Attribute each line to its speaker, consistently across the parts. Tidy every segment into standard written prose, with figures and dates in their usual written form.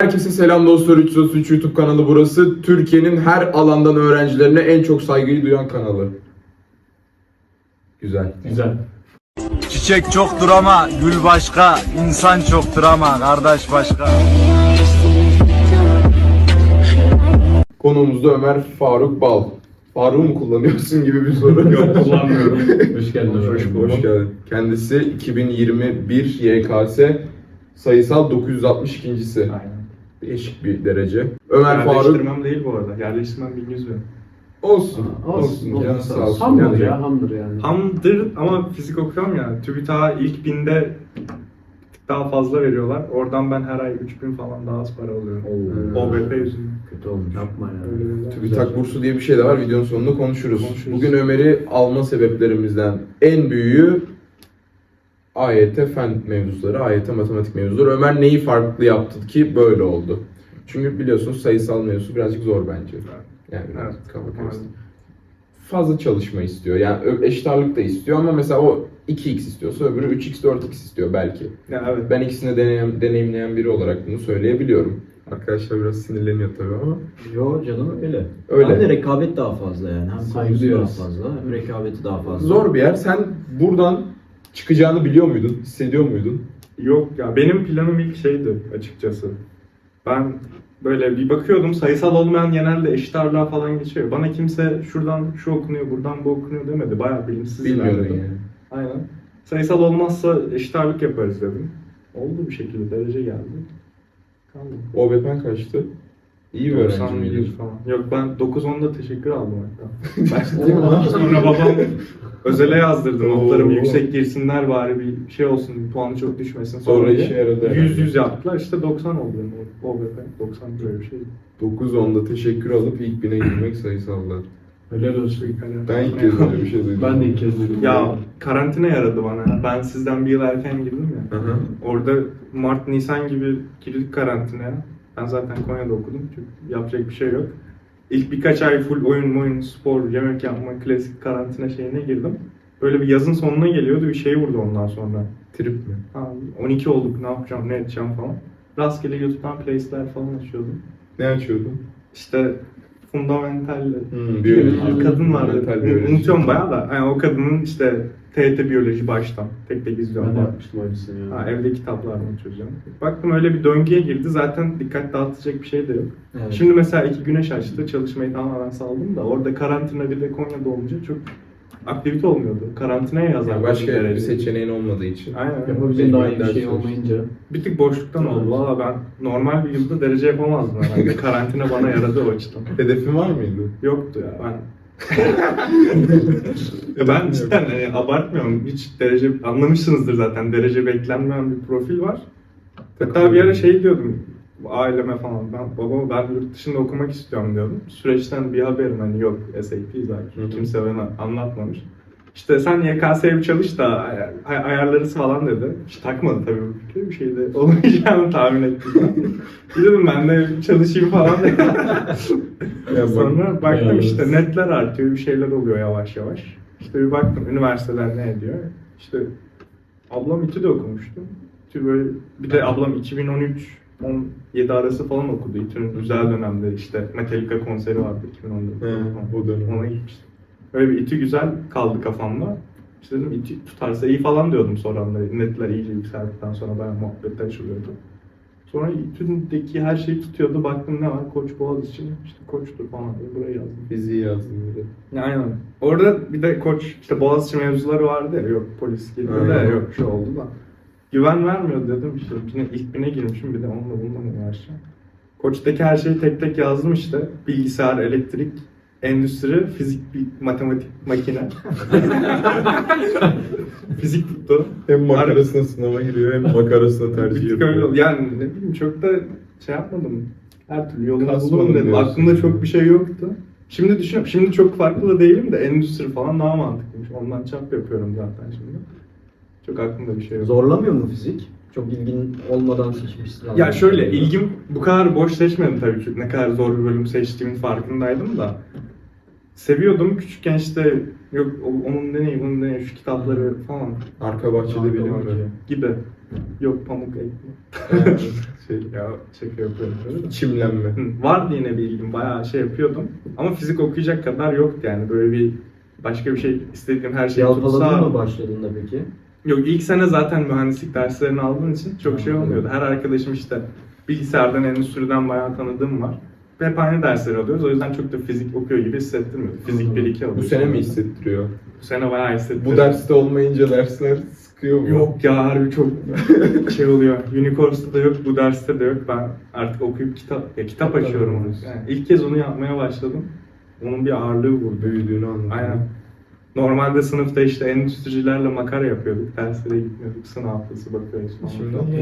Speaker 1: Herkese selam dostlar. 333 YouTube kanalı burası. Türkiye'nin her alandan öğrencilerine en çok saygıyı duyan kanalı. Güzel.
Speaker 2: Güzel.
Speaker 3: Çiçek çoktur ama gül başka, insan çoktur ama kardeş başka.
Speaker 1: Konuğumuzda Ömer Faruk Bal. Faruk'u mu kullanıyorsun gibi bir soru.
Speaker 2: Yok, kullanmıyorum. Hoş geldin.
Speaker 1: Hoş geldin. Kendisi 2021 YKS sayısal 962.'si.
Speaker 4: Aynen.
Speaker 1: Değişik bir derece. Ömer Faruk
Speaker 4: Yerleştirmem değil bu arada. Yerleştirmem 1100 bin.
Speaker 1: olsun. Canı sağ olsun.
Speaker 2: Hamdır
Speaker 1: Yani
Speaker 2: ya, hamdır yani.
Speaker 4: Hamdır ama fizik okuyorum ya. TÜBİTAK'a ilk binde bir tık daha fazla veriyorlar. Oradan ben her ay 3000 falan daha az para alıyorum. OBP yüzünden.
Speaker 2: Kötü olmuş. Yapma ya.
Speaker 4: Öyle bir-
Speaker 1: TÜBİTAK bursu diye bir şey de var. Videonun sonunda konuşuruz.
Speaker 4: Konuşuruz.
Speaker 1: Bugün Ömer'i alma sebeplerimizden en büyüğü AYT fen mevzuları, AYT matematik mevzuları. Ömer neyi farklı yaptı ki böyle oldu? Çünkü biliyorsunuz sayısal mevzusu birazcık zor bence. Yani
Speaker 4: Evet.
Speaker 1: kafa karıştı. Fazla çalışma istiyor. Yani eşit ağırlık da istiyor ama mesela o 2x istiyorsa öbürü 3x 4x istiyor belki.
Speaker 4: Ya evet.
Speaker 1: Ben ikisini deneyimleyen biri olarak bunu söyleyebiliyorum. Arkadaşlar biraz sinirleniyor tabii ama
Speaker 5: Yo canım öyle.
Speaker 1: Öyle.
Speaker 5: Hem de rekabet daha fazla yani. Hem
Speaker 2: Saygı
Speaker 5: saygısı daha
Speaker 2: duyuyoruz.
Speaker 5: fazla hem rekabeti daha fazla.
Speaker 1: zor bir yer. Sen buradan çıkacağını biliyor muydun? Hissediyor muydun?
Speaker 4: Yok ya benim planım ilk şeydi açıkçası. Ben böyle bir bakıyordum sayısal olmayan genelde eşit ağırlığa falan geçiyor. Bana kimse şuradan şu okunuyor, buradan bu okunuyor demedi. Bayağı bilimsiz
Speaker 1: Bilmiyordun
Speaker 4: ilerledim.
Speaker 1: yani.
Speaker 4: Aynen. Sayısal olmazsa eşit ağırlık yaparız dedim. Oldu bir şekilde derece geldi. Kaldı.
Speaker 1: OBP'n kaçtı? İyi bir öğrenci
Speaker 4: 91
Speaker 1: miydin?
Speaker 4: falan. Yok ben 9-10'da teşekkür aldım hatta.
Speaker 1: Değil mi?
Speaker 4: Sonra babam özele yazdırdı notlarım
Speaker 1: Oo.
Speaker 4: yüksek girsinler bari bir şey olsun puanı çok düşmesin.
Speaker 1: Sonra
Speaker 4: diye.
Speaker 1: işe yaradı herhalde.
Speaker 4: 100 yaptılar işte 90 oldu benim OBP 90 böyle bir şey.
Speaker 1: 9-10'da teşekkür alıp ilk bine girmek sayısallar.
Speaker 2: Helal olsun.
Speaker 1: Ben ilk kez öyle bir şey duydum.
Speaker 2: Ben de ilk kez duydum.
Speaker 4: Ya karantina yaradı bana. Ben sizden bir yıl erken girdim ya.
Speaker 1: Aha.
Speaker 4: Orada Mart, Nisan gibi girdik karantinaya. Ben zaten Konya'da okudum çünkü yapacak bir şey yok. İlk birkaç ay full oyun, spor, yemek yapma, klasik karantina şeyine girdim. Böyle bir yazın sonuna geliyordu bir şey vurdu ondan sonra.
Speaker 1: Trip mi?
Speaker 4: Ha, 12 olduk ne yapacağım, ne edeceğim falan. Rastgele YouTube'dan playlistler falan açıyordum.
Speaker 1: Ne açıyordun?
Speaker 4: İşte fundamental
Speaker 1: Biyoloji.
Speaker 4: bir kadın vardı.
Speaker 1: Fundamental biyoloji.
Speaker 4: Unutuyorum bayağı da. Yani o kadının işte TYT biyoloji baştan. Tek tek izliyorum.
Speaker 2: Ben de
Speaker 4: falan.
Speaker 2: yapmıştım aynısını ya.
Speaker 4: Ha, evde kitaplardan çözeceğim. Baktım öyle bir döngüye girdi. Zaten dikkat dağıtacak bir şey de yok.
Speaker 5: Evet.
Speaker 4: Şimdi mesela 2 güneş açtı. Çalışmayı tamamen saldım da orada karantina bir de Konya'da olunca çok aktivite olmuyordu. Karantinaya yazar.
Speaker 1: Yani başka bir seçeneğin olmadığı için.
Speaker 4: Aynen.
Speaker 2: Yapabileceğin daha iyi bir
Speaker 1: Ders
Speaker 2: şey
Speaker 1: çalıştım.
Speaker 2: olmayınca.
Speaker 4: Bir tık boşluktan oldu. Valla ben normal bir yılda derece yapamazdım herhalde. Karantina bana yaradı o açıdan.
Speaker 1: Hedefin var mıydı?
Speaker 4: Yoktu ya ben. Ya ben cidden hani abartmıyorum. Hiç derece anlamışsınızdır zaten. Derece beklenmeyen bir profil var. Hatta bir ara şey diyordum aileme falan. Ben yurt dışında okumak istiyorum diyordum. Süreçten bir haberim hani yok SAT zaten.
Speaker 1: Hı hı.
Speaker 4: Kimse bana anlatmamış. İşte sen YKS'ye bir çalış da ayarlarız falan dedi. Hiç takmadı tabii bu fikri. Bir şey de olmayacağını tahmin ettim. Dedim ben de çalışayım falan dedim.
Speaker 1: Ya bak-
Speaker 4: Sonra baktım
Speaker 2: Bayağı
Speaker 4: işte
Speaker 2: evet.
Speaker 4: netler artıyor, bir şeyler oluyor yavaş yavaş. İşte bir baktım üniversiteler ne ediyor. İşte ablam İTÜ'de okumuştu. İTÜ böyle, bir de ablam 2013-17 arası falan okudu. İTÜ'nün güzel dönemde işte Metallica konseri vardı 2014'te.
Speaker 1: He,
Speaker 4: falan.
Speaker 1: o dönem.
Speaker 4: Ona gitmiştim. Öyle bir İTÜ güzel kaldı kafamda. İşte dedim İTÜ tutarsa iyi falan diyordum sonra netler iyice yükseldikten sonra bayağı muhabbetler açılıyordu. Sonra İTÜ'deki her şeyi tutuyordu. Baktım ne var? Koç Boğaziçi. İşte Koç'tur falan diye buraya yazdım.
Speaker 1: Fiziği yazdım bir de.
Speaker 4: Aynen. Orada bir de Koç işte Boğaziçi mevzuları vardı ya. Yok polis girdi de
Speaker 1: Aynen.
Speaker 4: yok şu oldu da. Güven vermiyor dedim işte. İlk bine girmişim bir de onunla bununla uğraşacağım. Koç'taki her şeyi tek tek yazdım işte. Bilgisayar, elektrik, endüstri, fizik, matematik, makine. Fizik tuttu.
Speaker 1: Hem makarasına sınava giriyor hem makarasına tercih
Speaker 4: Bir tık öyle
Speaker 1: yapıyor.
Speaker 4: oldu. Yani ne bileyim çok da şey yapmadım. Her türlü yolunu
Speaker 1: Kasmadım
Speaker 4: bulurum dedim.
Speaker 1: diyorsun.
Speaker 4: Aklımda çok bir şey yoktu. Şimdi düşünüyorum. Şimdi çok farklı da değilim de endüstri falan daha mantıklıymış. Ondan çap yapıyorum zaten şimdi. Çok aklımda bir şey yok.
Speaker 5: Zorlamıyor mu fizik? Çok ilgin olmadan seçmişsin.
Speaker 4: Ya şöyle ilgim bu kadar boş seçmedim tabii ki. Ne kadar zor bir bölüm seçtiğimin farkındaydım da. Seviyordum küçükken işte yok onun deneyi bunun deneyi şu kitapları falan.
Speaker 1: Arka bahçede bilim mi?
Speaker 4: gibi. Yok pamuk ekmek. Ya şaka yapıyorum. Öyle de.
Speaker 1: Çimlenme.
Speaker 4: Vardı yine bir ilgim, bayağı şey yapıyordum. Ama fizik okuyacak kadar yoktu yani. Böyle bir başka bir şey istediğim her şeyi
Speaker 5: Yalpaladın
Speaker 4: tutsa...
Speaker 5: mı başladığında peki?
Speaker 4: Yok, ilk sene zaten mühendislik derslerini aldığın için çok şey olmuyordu. Her arkadaşım işte bilgisayardan, endüstriden bayağı tanıdığım var. Hep aynı dersleri alıyoruz. O yüzden çok da fizik okuyor gibi hissettirmiyordu. Fizik 1-2 alıyoruz.
Speaker 1: Bu sene mi hissettiriyor?
Speaker 4: Bu sene bayağı hissettiriyor.
Speaker 1: Bu derste olmayınca dersler sıkıyor mu?
Speaker 4: Yok ya, harbi çok şey oluyor. Unicorns'ta da yok, bu derste de yok. Ben artık okuyup kitap açıyorum onu. Yani ilk kez onu yapmaya başladım. Onun bir ağırlığı vurdu.
Speaker 1: Büyüdüğünü anladım.
Speaker 4: Aynen. Normalde sınıfta işte endüstricilerle makara yapıyorduk. Derslere gitmiyorduk. Sınav haftası bakıyoruz falan.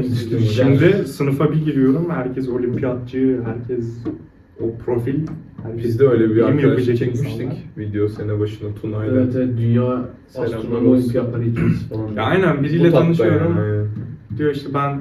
Speaker 4: Şimdi sınıfa bir giriyorum. Herkes olimpiyatçı, herkes o profil. Herkes
Speaker 1: Biz de öyle bir
Speaker 4: bilim
Speaker 1: arkadaş
Speaker 4: yapacak
Speaker 1: çekmiştik.
Speaker 4: insanlar.
Speaker 1: Video sene başına Tuna'yla.
Speaker 2: Evet, dünya
Speaker 1: Selamlar
Speaker 2: astronomi
Speaker 1: olsun.
Speaker 2: olimpiyatları ikimiz falan.
Speaker 4: Ya aynen,
Speaker 1: Bu
Speaker 4: biriyle
Speaker 1: tatta
Speaker 4: tanışıyorum.
Speaker 1: yani.
Speaker 4: Diyor işte ben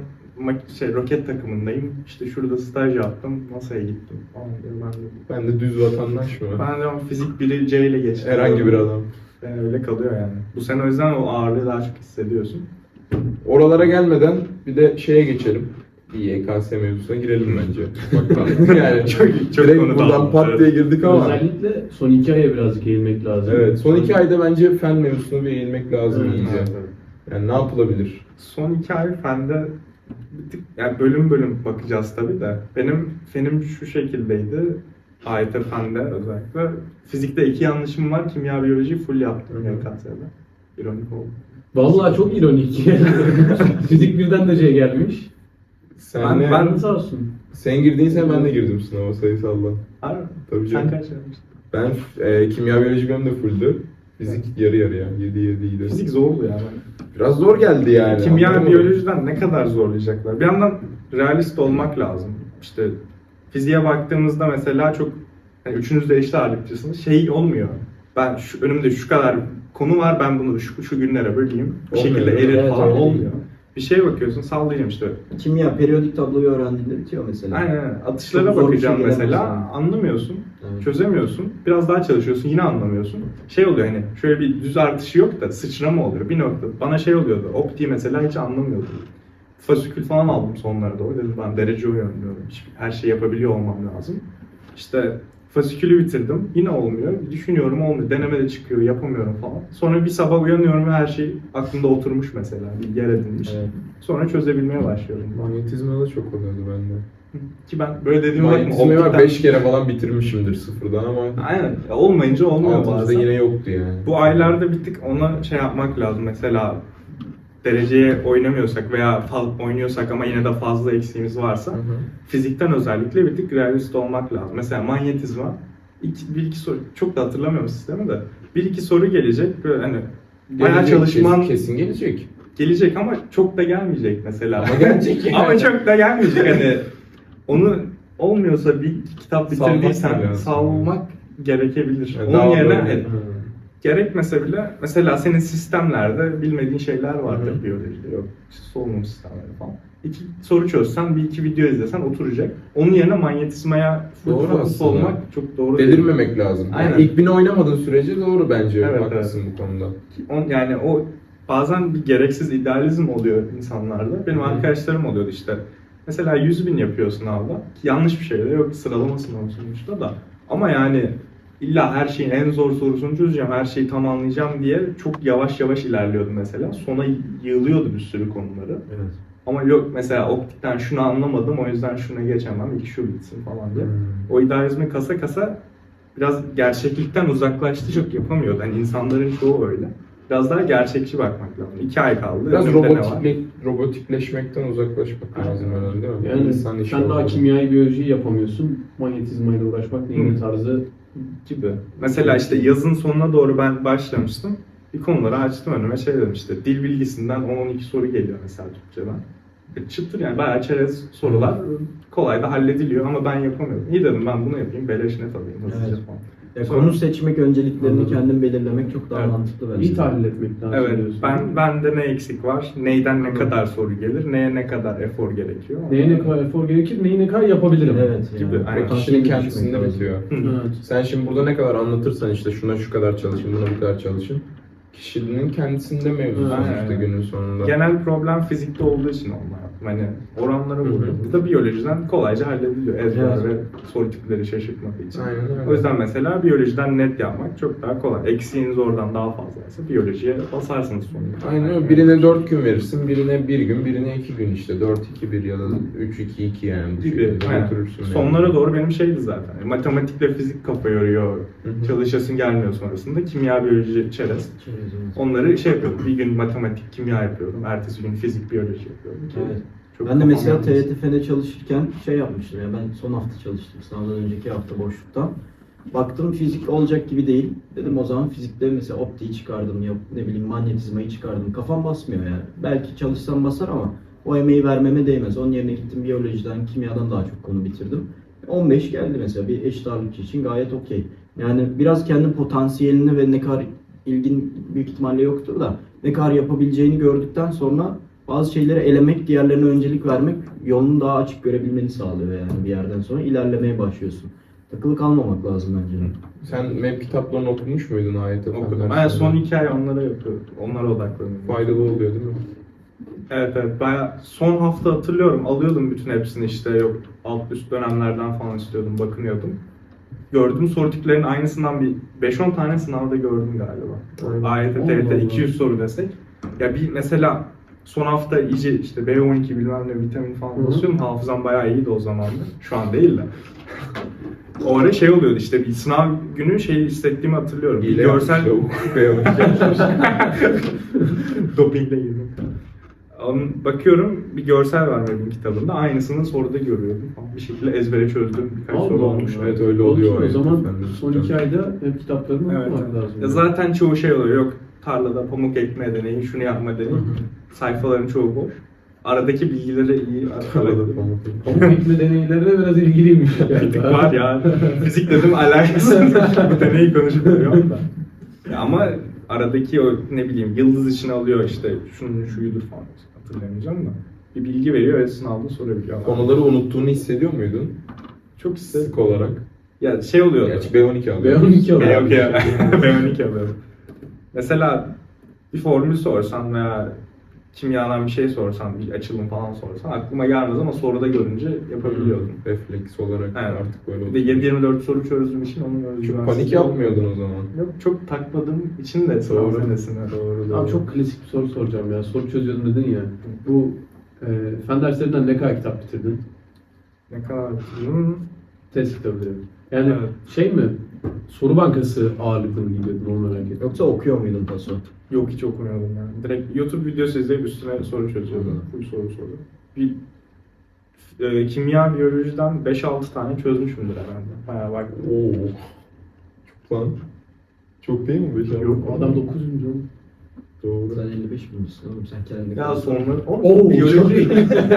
Speaker 4: roket takımındayım. İşte şurada staj yaptım. NASA'ya gittim falan diyor.
Speaker 1: Ben de düz vatandaş mı?
Speaker 4: Ben de fizik 1'i C ile geçtim.
Speaker 1: Herhangi bir adam.
Speaker 4: Yani öyle kalıyor yani. Bu sene o yüzden o ağırlığı daha çok hissediyorsun.
Speaker 1: Oralara gelmeden bir de şeye geçelim. Bir YKS mevzusuna girelim bence. Ufaktan. Yani
Speaker 4: Çok
Speaker 1: direkt
Speaker 4: konu
Speaker 1: buradan
Speaker 4: dağıldı,
Speaker 1: pat
Speaker 4: evet.
Speaker 1: diye girdik ama.
Speaker 2: Özellikle son 2 aya birazcık eğilmek lazım.
Speaker 1: Evet, son 2 ayda bence fen mevzusuna bir eğilmek lazım
Speaker 2: Evet,
Speaker 1: iyice.
Speaker 4: evet.
Speaker 1: Yani ne yapılabilir?
Speaker 4: Son 2 ay fende bir tık, yani bölüm bölüm bakacağız tabii de. Benim fenim şu şekildeydi. AYT fende özellikle. Fizikte 2 yanlışım var. Kimya, biyoloji full yaptım YKS'de. İronik oldu.
Speaker 2: Vallahi çok ironik. Fizik birden de C gelmiş.
Speaker 1: Senle,
Speaker 4: Ben-
Speaker 2: Sağ olsun.
Speaker 1: sen girdiğin sene ben de girdim sınava sayısalda.
Speaker 4: Harbi.
Speaker 1: Tabii
Speaker 4: Sen
Speaker 1: canım.
Speaker 4: kaç yapmıştın?
Speaker 1: Ben kimya biyoloji benim de fulldü. Fizik yarı yarıya. 7-7'ydi.
Speaker 4: Fizik zordu ya.
Speaker 1: Biraz zor geldi yani.
Speaker 4: Kimya,
Speaker 1: anladın mı?
Speaker 4: biyolojiden ne kadar zorlayacaklar? Bir yandan realist olmak lazım. İşte fiziğe baktığımızda mesela çok, hani üçünüz de eşit ağırlıkçısınız. Şey olmuyor. Ben önümde şu kadar konu var, ben bunu şu günlere böleyim. Bir
Speaker 1: Olmuyor,
Speaker 4: şekilde
Speaker 1: değil mi?
Speaker 4: erir
Speaker 5: Evet,
Speaker 4: falan
Speaker 5: öyle değil.
Speaker 4: olmuyor. Bir şeye bakıyorsun, sallayacağım işte.
Speaker 5: Kimya periyodik tabloyu öğrendiğinde bitiyor mesela.
Speaker 4: Aynen. Atışlara
Speaker 5: Çok zor bir
Speaker 4: bakacağım
Speaker 5: şey gelemez
Speaker 4: mesela.
Speaker 5: yani.
Speaker 4: Anlamıyorsun.
Speaker 5: Evet.
Speaker 4: Çözemiyorsun. Biraz daha çalışıyorsun, yine anlamıyorsun. Şey oluyor, hani şöyle bir düz artışı yok da sıçrama oluyor bir nokta. Bana şey oluyordu. Optiği mesela hiç anlamıyordum. Fasikül falan aldım sonlara doğru. Dedim ben derece oynuyorum. Her şeyi yapabiliyor olmam lazım. İşte fasikülü bitirdim. Yine olmuyor. Düşünüyorum, olmuyor. Denemede çıkıyor, yapamıyorum falan. Sonra bir sabah uyanıyorum ve her şey aklımda oturmuş mesela. Bir yer edinmiş.
Speaker 5: Evet.
Speaker 4: Sonra çözebilmeye başlıyorum.
Speaker 1: Manyetizma da çok oluyordu bende.
Speaker 4: Ki ben böyle dediğime bakma.
Speaker 1: Manyetizmayı var
Speaker 4: optikten-
Speaker 1: 5 kere falan bitirmişimdir sıfırdan ama
Speaker 4: Aynen. Ya olmayınca olmuyor
Speaker 1: altımızda
Speaker 4: bazen.
Speaker 1: yine yoktu yani.
Speaker 4: Bu aylarda bir tık ona şey yapmak lazım. Mesela dereceye oynamıyorsak veya oynuyorsak ama yine de fazla eksiğimiz varsa
Speaker 1: Hı hı.
Speaker 4: fizikten özellikle bir tık realist olmak lazım. Mesela manyetizma bir iki soru, çok da hatırlamıyorum sistemi de, bir iki soru gelecek böyle hani bayağı
Speaker 1: Gelecek,
Speaker 4: çalışman
Speaker 1: kesin gelecek.
Speaker 4: gelecek ama çok da gelmeyecek mesela.
Speaker 1: Ama gelecek yani.
Speaker 4: Ama çok da gelmeyecek hani onu olmuyorsa bir kitap
Speaker 1: Salmak
Speaker 4: bitirdiysen
Speaker 1: lazım.
Speaker 4: salmak gerekebilir.
Speaker 1: Yani
Speaker 4: Onun
Speaker 1: daha
Speaker 4: yerine
Speaker 1: böyle-
Speaker 4: hani gerekmese bile mesela senin sistemlerde bilmediğin şeyler vardır
Speaker 1: Hı hı.
Speaker 4: biyolojide, yok işte solunum sistemleri falan. 2 soru çözsen, bir iki video izlesen oturacak. Onun yerine manyetizmaya full
Speaker 1: Doğru
Speaker 4: fokus
Speaker 1: aslında.
Speaker 4: olmak çok doğru değil.
Speaker 1: Delirmemek lazım.
Speaker 4: Aynen.
Speaker 1: Yani ilk bini oynamadığın sürece doğru bence.
Speaker 4: Evet,
Speaker 1: Haklısın bu konuda.
Speaker 4: Yani o bazen bir gereksiz idealizm oluyor insanlarda. Benim
Speaker 1: Hı.
Speaker 4: arkadaşlarım oluyordu işte. Mesela 100.000 yapıyor sınavda. Ki yanlış bir şey de yok, sıralama sınavı sonuçta da. Ama yani illa her şeyin en zor sorusunu çözeceğim, her şeyi tamamlayacağım diye çok yavaş yavaş ilerliyordu mesela. Sona yığılıyordu bir sürü konuları.
Speaker 5: Evet.
Speaker 4: Ama yok mesela optikten şunu anlamadım, o yüzden şuna geçemem, ilk şu bitsin falan diye.
Speaker 1: Hmm.
Speaker 4: O idealizmi kasa kasa biraz gerçeklikten uzaklaştı, çok yapamıyordu. Hani insanların çoğu öyle. Biraz daha gerçekçi bakmak lazım. 2 ay kaldı.
Speaker 1: Biraz
Speaker 4: önümde ne var?
Speaker 1: robotikleşmekten uzaklaşmak
Speaker 4: Aynen.
Speaker 1: lazım herhalde değil mi?
Speaker 2: Yani
Speaker 1: İnsan işi
Speaker 2: sen daha
Speaker 1: olmalı.
Speaker 2: kimyayı, biyolojiyi yapamıyorsun. Manyetizmayla uğraşmak neyin
Speaker 4: Hı.
Speaker 2: tarzı.
Speaker 4: Gibi. Mesela işte yazın sonuna doğru ben başlamıştım. Bir konuları açtım önüme, şey dedim işte dil bilgisinden 10-12 soru geliyor mesela Türkçeden. Çıtır yani bayağı çerez sorular kolay da hallediliyor ama ben yapamıyorum. İyi dedim ben bunu yapayım, beleş net alayım hızlıca
Speaker 5: Evet.
Speaker 4: falan.
Speaker 5: Ya
Speaker 4: Sonra-
Speaker 5: konu seçmek, önceliklerini
Speaker 2: Anladım.
Speaker 5: kendin belirlemek çok daha
Speaker 4: Evet.
Speaker 5: mantıklı bence.
Speaker 2: İyi tahlil etmek lazım.
Speaker 4: Evet,
Speaker 2: diyorsun.
Speaker 4: bende ne eksik var, neyden ne
Speaker 2: Anladım.
Speaker 4: kadar soru gelir, neye ne kadar efor gerekiyor.
Speaker 2: Neye ne kadar efor gerekir, neyi ne kadar yapabilirim.
Speaker 5: Evet.
Speaker 4: Gibi.
Speaker 5: Yani.
Speaker 4: Aynen.
Speaker 1: Kişinin
Speaker 5: Potansiyeli
Speaker 1: kendisinde
Speaker 5: düşürmek lazım.
Speaker 1: bitiyor.
Speaker 4: Hı.
Speaker 2: Evet.
Speaker 1: Sen şimdi burada ne kadar anlatırsan işte şuna şu kadar çalışın, buna bu kadar çalışın. Kişinin kendisinde mevzu
Speaker 2: Aynen.
Speaker 1: sonuçta günün sonunda.
Speaker 4: Genel problem fizikte olduğu için onlar yaptım. Hani oranlara vuruyor. Burada biyolojiden kolayca hallediliyor. Ezber
Speaker 5: Evet.
Speaker 4: ve soru tipleri şaşırtmadığı için.
Speaker 1: Aynen öyle.
Speaker 4: O yüzden mesela biyolojiden net yapmak çok daha kolay. Eksiğiniz oradan daha fazlaysa biyolojiye basarsınız sonunda.
Speaker 1: Aynen öyle. Birine 4 gün verirsin, birine 1 gün, birine 2 gün işte. 4-2-1 ya da 3-2-2 yani. Bu
Speaker 4: Gibi.
Speaker 1: şekilde
Speaker 4: Aynen.
Speaker 1: götürürsün yani.
Speaker 4: Sonlara doğru benim şeydi zaten. Matematikle fizik kafa yoruyor.
Speaker 1: hı.
Speaker 4: Çalışasın gelmiyor sonrasında. Kimya, biyoloji, çerez. Onları şey yapıyordum. Bir gün matematik, kimya yapıyordum. Ertesi gün fizik, biyoloji yapıyordum. Ki
Speaker 5: Evet.
Speaker 4: çok
Speaker 5: Ben de
Speaker 4: kafam
Speaker 5: mesela
Speaker 4: yanmasın.
Speaker 5: TYT-FEN'e çalışırken şey yapmıştım ya, ben son hafta çalıştım, sınavdan önceki hafta boşluktan. Baktım fizik olacak gibi değil. Dedim o zaman fizikte mesela optiği çıkardım, yok ne bileyim manyetizmayı çıkardım. Kafam basmıyor yani. Belki çalışsam basar ama o emeği vermeme değmez. Onun yerine gittim biyolojiden, kimyadan daha çok konu bitirdim. 15 geldi mesela bir eşit ağırlıkçı için gayet okey. Yani biraz kendi potansiyelini ve ne kadar ilgin büyük ihtimalle yoktur da ne kadar yapabileceğini gördükten sonra bazı şeyleri elemek, diğerlerine öncelik vermek yolunu daha açık görebilmeni sağlıyor yani bir yerden sonra ilerlemeye başlıyorsun. Takılı kalmamak lazım bence.
Speaker 1: Sen MEP kitaplarını okumuş muydun AYT
Speaker 4: Okudum.
Speaker 1: falan?
Speaker 4: Ben son 2 ay onlara yapıyordum. Onlara odaklanıyordum.
Speaker 1: Faydalı oluyor değil mi?
Speaker 4: Evet evet. Bayağı son hafta hatırlıyorum. Alıyordum bütün hepsini işte. Yok alt üst dönemlerden falan istiyordum. Bakınıyordum. Gördüm soru tiplerinin aynısından bir 5-10 tane sınavda gördüm galiba.
Speaker 1: Aynen.
Speaker 4: AYT,
Speaker 2: Allah
Speaker 4: TYT
Speaker 2: Allah.
Speaker 4: 200 soru desek. Ya bir mesela son hafta iyice işte B12 bilmem ne vitamin falan
Speaker 2: Hı hı.
Speaker 4: basıyorum. Hafızam bayağı iyiydi o zaman da. Şu an değil de. O ara şey oluyordu işte bir sınav günü şey hissettiğimi hatırlıyorum. Bir
Speaker 1: Hile
Speaker 4: görsel
Speaker 1: yapmış lavuk. B12 yapmış.
Speaker 4: dopingle girdim. Bakıyorum bir görsel var benim kitabında. Aynısını soruda görüyordum falan. Bir şekilde ezbere çözdüm. Birkaç
Speaker 2: Allah
Speaker 4: soru
Speaker 2: Allah.
Speaker 4: olmuş.
Speaker 1: Evet öyle oluyor.
Speaker 2: O
Speaker 1: AYT
Speaker 2: zaman
Speaker 1: fen
Speaker 2: son 2 ayda hep kitaplarını
Speaker 4: Evet.
Speaker 2: okumak lazım.
Speaker 4: Ya zaten çoğu şey oluyor. Yok tarlada pamuk ekme deneyi, şunu yapma deneyi. Sayfaların çoğu boş. Aradaki bilgileri iyi
Speaker 1: Arada pamuk.
Speaker 2: Pamuk ekme deneylerine biraz ilgiliymiş
Speaker 4: Bir tık
Speaker 2: galiba.
Speaker 4: var ya. Fizik dedim alakasız. Bu deneyi konuşup duruyorum da. Ya ama aradaki o ne bileyim yıldız içine alıyor işte şunun şuyudur falan. Hatırlayamayacağım da. Bir bilgi veriyor ve sınavda sorabiliyor.
Speaker 1: Konuları unuttuğunu hissediyor muydun?
Speaker 4: Çok istedim.
Speaker 1: Sık olarak.
Speaker 4: Ya şey oluyor.
Speaker 1: Gerçi B12 alıyor.
Speaker 2: B12 alıyor.
Speaker 4: Okey. B12 alıyorum. Mesela bir formül sorsan veya kimyadan bir şey sorsan, bir açılım falan sorsan aklıma gelmez ama soruda görünce yapabiliyordum.
Speaker 1: Refleks olarak
Speaker 4: Evet.
Speaker 1: artık böyle
Speaker 4: Bir de
Speaker 1: oldu.
Speaker 4: 7-24 soru çözdüğüm için onun özgüvensizliği
Speaker 1: Çok panik yapmıyordun o zaman.
Speaker 4: Yok çok takmadığım için de sınav
Speaker 1: Doğru.
Speaker 4: senesine.
Speaker 1: Doğru.
Speaker 2: Abi çok klasik bir soru soracağım ya. Soru çözüyordum dedin ya. Bu fen derslerinden ne kadar kitap bitirdin?
Speaker 4: Ne kadar bitiriyorum?
Speaker 2: Test kitabı diyorum. Yani
Speaker 4: Evet.
Speaker 2: şey mi? Soru bankası ağırlıklı mı gidiyordun onu merak ettim.
Speaker 5: Yoksa okuyor muydun paso?
Speaker 4: Yok hiç okumuyordum yani. Direkt YouTube videosu izleyip üstüne soru çözüyordum.
Speaker 5: Anladım.
Speaker 4: Full soru. Bir kimya, biyolojiden 5-6 tane çözmüşümdür herhalde. Bayağı bak.
Speaker 1: Oo. Çok lan. Çok değil mi? 5
Speaker 4: Yok,
Speaker 2: Adam 9. canım.
Speaker 1: Doğru.
Speaker 5: Sen 55 binmişsin oğlum, sen kendini
Speaker 4: Ya sonra...
Speaker 2: Oo,
Speaker 4: biyoloji...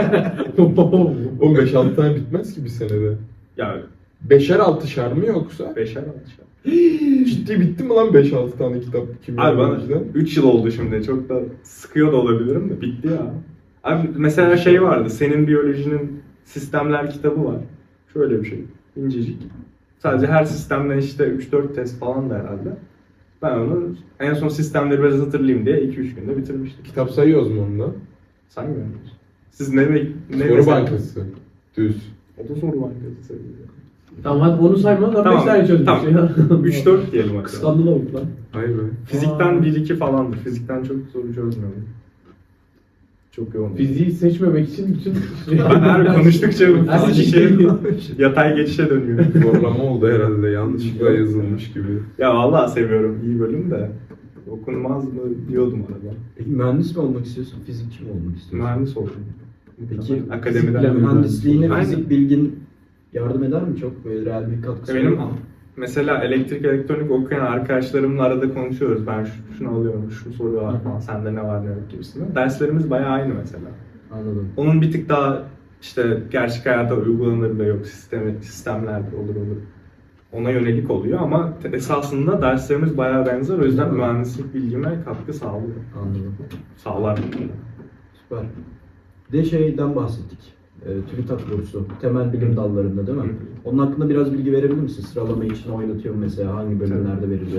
Speaker 1: O 5-6 tane bitmez ki bir senede.
Speaker 4: ya
Speaker 1: 5'er 6'şer mi yoksa?
Speaker 4: 5'er alışa.
Speaker 1: Ciddi bitti mi lan 5-6 tane kitap kimya
Speaker 4: Abi bana
Speaker 1: biyolojiden?
Speaker 4: 3 yıl oldu şimdi. Çok da sıkıyor da olabilirim de bitti ya. Abi mesela şey vardı. Senin biyolojinin sistemler kitabı var. Şöyle bir şey. İncecik. Sadece her sistemden işte 3-4 test falan da herhalde. Ben onu en son sistemleri biraz hatırlayayım diye 2-3 günde bitirmiştim.
Speaker 1: Kitap sayıyoruz mu onda?
Speaker 4: Saymıyor musunuz? Siz ne
Speaker 1: Soru
Speaker 4: mesela-
Speaker 1: bankası. Düz.
Speaker 4: O da soru bankası sayılıyor.
Speaker 2: Tamam hadi onu sayma da 5 tane çözdük
Speaker 4: Tamam.
Speaker 2: ya.
Speaker 4: 3-4 diyelim hatta.
Speaker 2: Kıskandı lavuk lan.
Speaker 1: Hayır be.
Speaker 4: Fizikten 1-2 falandır. Fizikten çok soru çözmüyorum. Çok yoğun.
Speaker 2: Fiziği seçmemek için bütün...
Speaker 4: Ben her konuştukça
Speaker 2: Her
Speaker 4: fizik
Speaker 2: şey-
Speaker 4: yatay geçişe dönüyor.
Speaker 1: Zorlama oldu herhalde. Yanlışlıkla yazılmış gibi.
Speaker 4: Ya vallahi seviyorum iyi bölüm de okunmaz mı diyordum arada.
Speaker 5: Peki mühendis mi olmak istiyorsun, fizikçi mi olmak istiyorsun?
Speaker 4: Mühendis oldum.
Speaker 5: Peki
Speaker 4: Akademiden.
Speaker 2: fizikle
Speaker 5: mühendisliğine
Speaker 4: Aynen.
Speaker 5: fizik bilgin yardım eder mi çok? Böyle real bir katkısı
Speaker 4: Benim
Speaker 5: olur mu?
Speaker 4: mesela elektrik elektronik okuyan arkadaşlarımla arada konuşuyoruz. Ben şunu alıyorum, şunu soruyorlar falan. Sende ne var ne yok gibisinden. Derslerimiz bayağı aynı mesela.
Speaker 5: Anladım.
Speaker 4: Onun bir tık daha işte gerçek hayata uygulanır da yok sistemler olur. Ona yönelik oluyor ama esasında derslerimiz bayağı benzer. O yüzden mühendislik bilgime katkı sağlıyor.
Speaker 5: Anladım.
Speaker 4: Sağlar.
Speaker 5: Süper. Bir de şeyden bahsettik. TÜBİTAK bursu. Temel bilim dallarında değil mi? Onun hakkında biraz bilgi verebilir misin? Sıralama için oynatıyor mu mesela? Hangi bölümlerde veriliyor?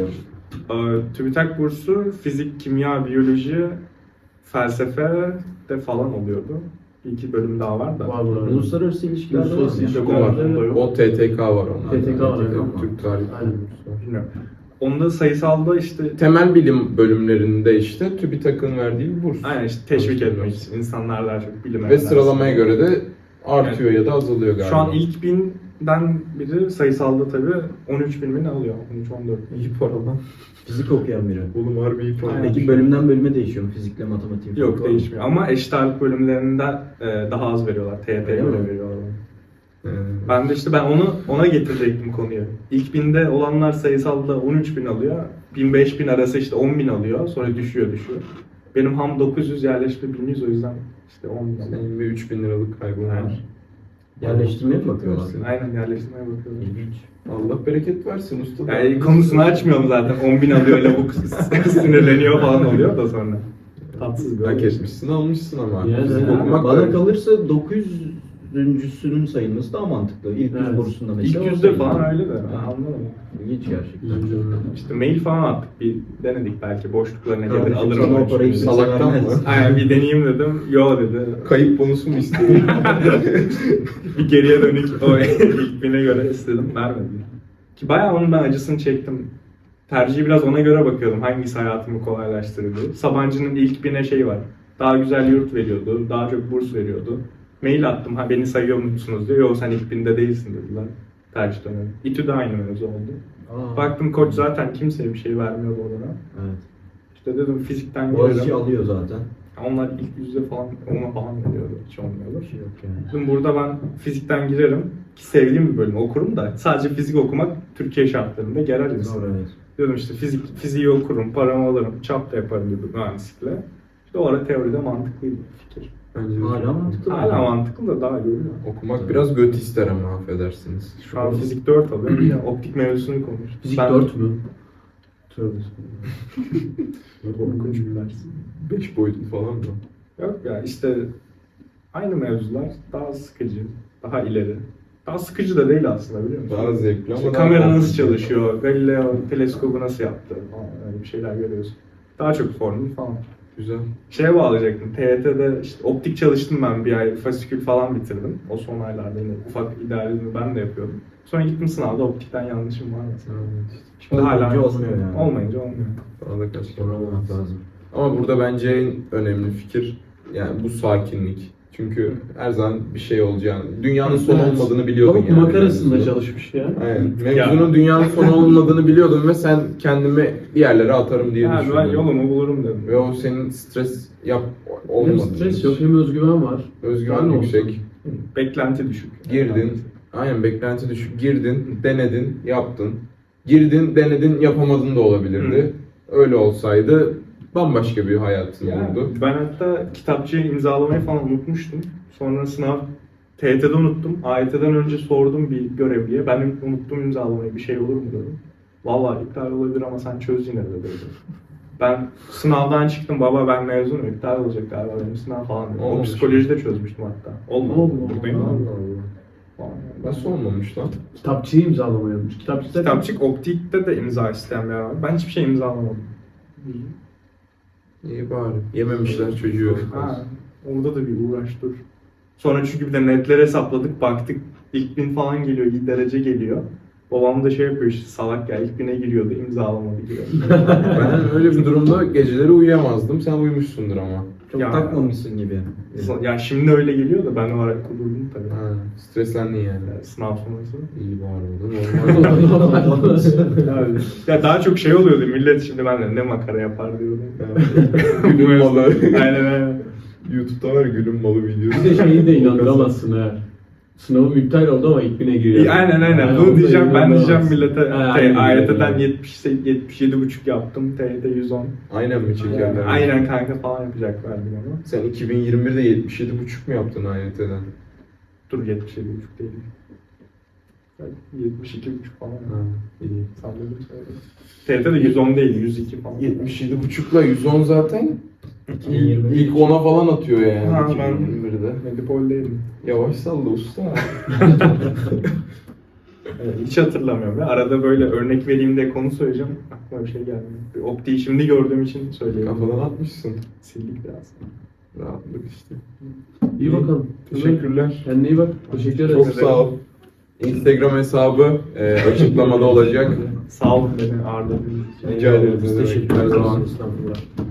Speaker 4: TÜBİTAK bursu fizik, kimya, biyoloji, felsefe de falan oluyordu. Bir iki bölüm daha var da.
Speaker 2: Var burada.
Speaker 5: Uluslararası ilişkiler de var.
Speaker 2: Uluslararası
Speaker 5: mı?
Speaker 2: ilişkiler
Speaker 4: Yok,
Speaker 2: de-
Speaker 4: yok.
Speaker 1: O TTK var onlar.
Speaker 2: TTK var, evet.
Speaker 1: Türk tarihi.
Speaker 2: Aynen.
Speaker 4: Bilmiyorum. Onda sayısalda işte
Speaker 1: Temel bilim bölümlerinde işte TÜBİTAK'ın verdiği bir burs.
Speaker 4: aynen işte teşvik etmek için insanlar daha çok bilime
Speaker 1: Ve sıralamaya göre de artıyor ya da azalıyor galiba.
Speaker 4: Şu an ilk 1000'den biri sayısalda tabii 13.000 mi ne alıyor? 13-14.
Speaker 1: iyi para lan.
Speaker 5: Fizik okuyan biri.
Speaker 1: Oğlum harbi iyi para.
Speaker 4: Aynen.
Speaker 5: Peki bölümden bölüme değişiyor mu? Fizikle matematik.
Speaker 4: Yok değişmiyor ama eşit ağırlık bölümlerinde daha az veriyorlar. TYT'ye
Speaker 5: Öyle
Speaker 4: göre
Speaker 5: mi?
Speaker 4: veriyorlar.
Speaker 1: Ee,
Speaker 4: Ben de işte ona getirecektim konuyu. İlk 1000'de olanlar sayısalda 13.000 alıyor. 1000-5000 arası işte 10.000 alıyor. Sonra düşüyor. Benim ham 900 yerleşme 1100 o yüzden işte 10.000 alıyor.
Speaker 1: senin bir 3000 liralık kaybın
Speaker 4: Aynen.
Speaker 1: var.
Speaker 5: Yerleştirmeye mi bakıyorlar?
Speaker 4: Aynen yerleştirmeye bakıyorum.
Speaker 5: İlginç.
Speaker 1: Allah bereket versin usta.
Speaker 4: Yani konusunu açmıyorum zaten. 10.000 alıyor lavuk sinirleniyor falan oluyor da sonra. Tatsız bir
Speaker 1: Hak
Speaker 4: olay.
Speaker 1: etmişsin almışsın ama.
Speaker 2: Yani
Speaker 1: Fizik
Speaker 2: yani
Speaker 1: okumak
Speaker 5: Bana
Speaker 1: da-
Speaker 5: kalırsa 900'üncüsünün sayılması daha mantıklı. İlk yüz
Speaker 2: Evet.
Speaker 5: bursunda
Speaker 4: İlk
Speaker 5: mesela. o
Speaker 4: yüzde
Speaker 5: sayılıyor.
Speaker 4: falan öyle de ben
Speaker 5: Ha.
Speaker 4: anlamadım.
Speaker 5: İlginç gerçekten.
Speaker 4: İşte mail falan attık bir denedik belki boşluklarına gelir
Speaker 5: Kardeşim
Speaker 4: alırım.
Speaker 5: sana
Speaker 4: ben
Speaker 5: o parayı
Speaker 4: şimdi.
Speaker 1: Salaktan
Speaker 5: vermez.
Speaker 1: mı?
Speaker 4: Aynen bir deneyeyim dedim. Yo dedi.
Speaker 1: Kayıp bonusu mu istiyorsun?
Speaker 4: Bir geriye dönük o ilk bine göre istedim vermedi. Ki bayağı onun ben acısını çektim. Tercihi biraz ona göre bakıyordum. Hangisi hayatımı kolaylaştırdı. Sabancı'nın ilk bine şey var. Daha güzel yurt veriyordu. Daha çok burs veriyordu. Mail attım. Ha beni sayıyor musunuz diyor. Yok sen ilk binde değilsin dediler. Tercih dönemi. İTÜ de aynı mevzu oldu.
Speaker 5: Aa.
Speaker 4: Baktım koç zaten kimseye bir şey vermiyor bu arada.
Speaker 5: Evet.
Speaker 4: İşte dedim fizikten
Speaker 5: Boğaziçi
Speaker 4: girerim.
Speaker 5: alıyor zaten.
Speaker 4: Onlar ilk yüzde falan, ona falan veriyordu. Hiç olmuyordu.
Speaker 5: Bir şey yok yani.
Speaker 4: Dedim burada ben fizikten girerim. Ki sevdiğim bir bölüm okurum da sadece fizik okumak Türkiye şartlarında gerer insan.
Speaker 5: Doğru, evet.
Speaker 4: Dedim işte fiziği okurum, paramı alırım, çap da yaparım gibi mühendislikle. İşte o ara teoride mantıklıydı fikir.
Speaker 1: Bence de
Speaker 5: Hala
Speaker 1: çok-
Speaker 5: mantıklı.
Speaker 4: Hala mantıklı da daha görüyor.
Speaker 1: Okumak biraz göt ister ama affedersiniz.
Speaker 4: Şu an fizik 4 alıyorum. Bir de optik mevzusunu konuş.
Speaker 2: Fizik 4 mü? Tövbe.
Speaker 4: Korkunç bir ders.
Speaker 1: 5 boyutlu falan mı?
Speaker 4: Yok ya işte aynı mevzular daha sıkıcı, daha ileri. Daha sıkıcı da değil aslında biliyor musun?
Speaker 1: Daha zevkli
Speaker 4: İşte
Speaker 1: ama daha
Speaker 4: kamera nasıl
Speaker 1: korkunç.
Speaker 4: çalışıyor, Galileo teleskobu nasıl yaptı falan öyle bir şeyler görüyorsun. Daha çok formül falan.
Speaker 1: Güzel.
Speaker 4: Şeye bağlayacaktım, TYT'de işte optik çalıştım ben bir ay, fasikül falan bitirdim. O son aylarda yine ufak idealizmi ben de yapıyordum. Sonra gittim sınavda optikten yanlışım var mesela. Şimdi
Speaker 5: Olmayınca olmuyor yani.
Speaker 4: Olmayınca olmuyor.
Speaker 1: Bana da kaç
Speaker 5: Sonra olmak lazım.
Speaker 1: Ama burada bence en önemli fikir yani bu sakinlik. Çünkü her zaman bir şey olacağını, dünyanın sonu
Speaker 2: Evet.
Speaker 1: olmadığını biliyordun
Speaker 2: Tavuk
Speaker 1: yani.
Speaker 2: makarasında
Speaker 1: mevzunun.
Speaker 2: çalışmış ya.
Speaker 1: Aynen. Mevzunun dünyanın sonu olmadığını biliyordun ve sen kendimi bir yerlere atarım diye
Speaker 4: Yani ben
Speaker 1: düşündün.
Speaker 4: yolumu bulurum dedim.
Speaker 1: Ve o senin stres
Speaker 2: Hem
Speaker 1: olmadı.
Speaker 2: stres yok hem özgüven var.
Speaker 1: Özgüven
Speaker 2: Daha ne
Speaker 1: yüksek.
Speaker 2: olsun?
Speaker 4: Beklenti düşük.
Speaker 1: Girdin. Aynen beklenti düşük. Girdin, denedin, yaptın. Girdin, denedin, yapamadın da olabilirdi. Öyle olsaydı bambaşka bir hayatın
Speaker 4: Yani
Speaker 1: olurdu.
Speaker 4: ben hatta kitapçıyı imzalamayı falan unutmuştum. Sonra sınav TYT'de unuttum. AYT'den önce sordum bir görevliye. Ben unuttum imzalamayı, bir şey olur mu dedim. Vallahi iptal olabilir ama sen çöz yine de dedi. Ben sınavdan çıktım, baba ben mezunum, iptal olacak galiba benim sınav falan dedim. O
Speaker 1: Olmamış.
Speaker 4: psikolojide çözmüştüm hatta. Olmadı.
Speaker 2: Allah
Speaker 4: Buradayım
Speaker 2: Allah.
Speaker 4: ama.
Speaker 1: Allah.
Speaker 4: Falan.
Speaker 1: Nasıl olmamış lan?
Speaker 2: Kitapçıyı imzalamayalım. Kitapçı zaten
Speaker 4: Kitapçık optikte de imza isteyen bir yer var. Ben hiçbir şey imzalamadım.
Speaker 1: İyi bari. Yememişler çocuğu.
Speaker 4: Ha, orada da bir uğraş dur. Sonra çünkü bir de netleri hesapladık, baktık ilk 1000 falan geliyor, iyi derece geliyor. Babam da şey yapıyor işte salak ya ilk 1000'e giriyordu, imzalamadı gibi.
Speaker 1: Ben öyle bir durumda geceleri uyuyamazdım. Sen uyumuşsundur ama.
Speaker 5: Çok
Speaker 4: Ya-
Speaker 5: takmamışsın gibi.
Speaker 4: Ya şimdi öyle geliyor da ben o ara kudurdum tabii.
Speaker 1: Ha, streslendin yani.
Speaker 4: Yani sınav sonrası.
Speaker 1: İyi bari oldu. Normal.
Speaker 4: Ya daha çok şey oluyordu millet şimdi ben ne makara yapar diyordum.
Speaker 1: Gülüm malı.
Speaker 4: Aynen aynen.
Speaker 1: YouTube'da var ya gülüm malı videosu.
Speaker 2: bir de şeyi de inandıramazsın ha. Sınavım iptal oldu ama ilk bine giriyor.
Speaker 4: Aynen aynen.
Speaker 2: Yani
Speaker 4: Bunu
Speaker 2: onu da
Speaker 4: diyeceğim ben diyeceğim
Speaker 2: inandıramazsın.
Speaker 4: millete
Speaker 2: Ha, aynen,
Speaker 4: AYT'den
Speaker 2: aynen.
Speaker 4: 77,5 yaptım. TYT 110.
Speaker 1: Aynen mi çekerler?
Speaker 4: Aynen kanka falan yapacaklar bir onu.
Speaker 1: Sen 2021'de 77,5 mu yaptın AYT'den?
Speaker 4: Dur 77,5 değil. 72,5 falan.
Speaker 1: Ha, iyi.
Speaker 4: Salladım söyledim. TYT de 110 değil 102 falan.
Speaker 1: 77,5'la 110 zaten
Speaker 5: 2023.
Speaker 1: ilk 10'a falan atıyor yani
Speaker 4: Ha, ben-
Speaker 1: 2021'de.
Speaker 4: Medipol'deydim.
Speaker 1: Yavaş salla usta.
Speaker 4: hiç hatırlamıyorum. Ya. Arada böyle örnek vereyim de konu söyleyeceğim. Aklıma bir şey gelmiyor. Bir optiği şimdi gördüğüm için söyleyeyim.
Speaker 1: Kafadan atmışsın.
Speaker 4: Sildik de aslında.
Speaker 1: Rahatlık işte.
Speaker 2: İyi bakalım.
Speaker 1: Teşekkürler.
Speaker 2: Kendine iyi bak. Teşekkür ederim.
Speaker 1: Çok sağ ol. Instagram hesabı açıklamada olacak.
Speaker 4: Sağ olun beni ağırladığınız için.
Speaker 1: Rica ederiz.
Speaker 5: Biz
Speaker 1: Ne demek,
Speaker 5: teşekkür
Speaker 1: her
Speaker 5: ederiz.
Speaker 1: zaman.
Speaker 5: Estağfurullah.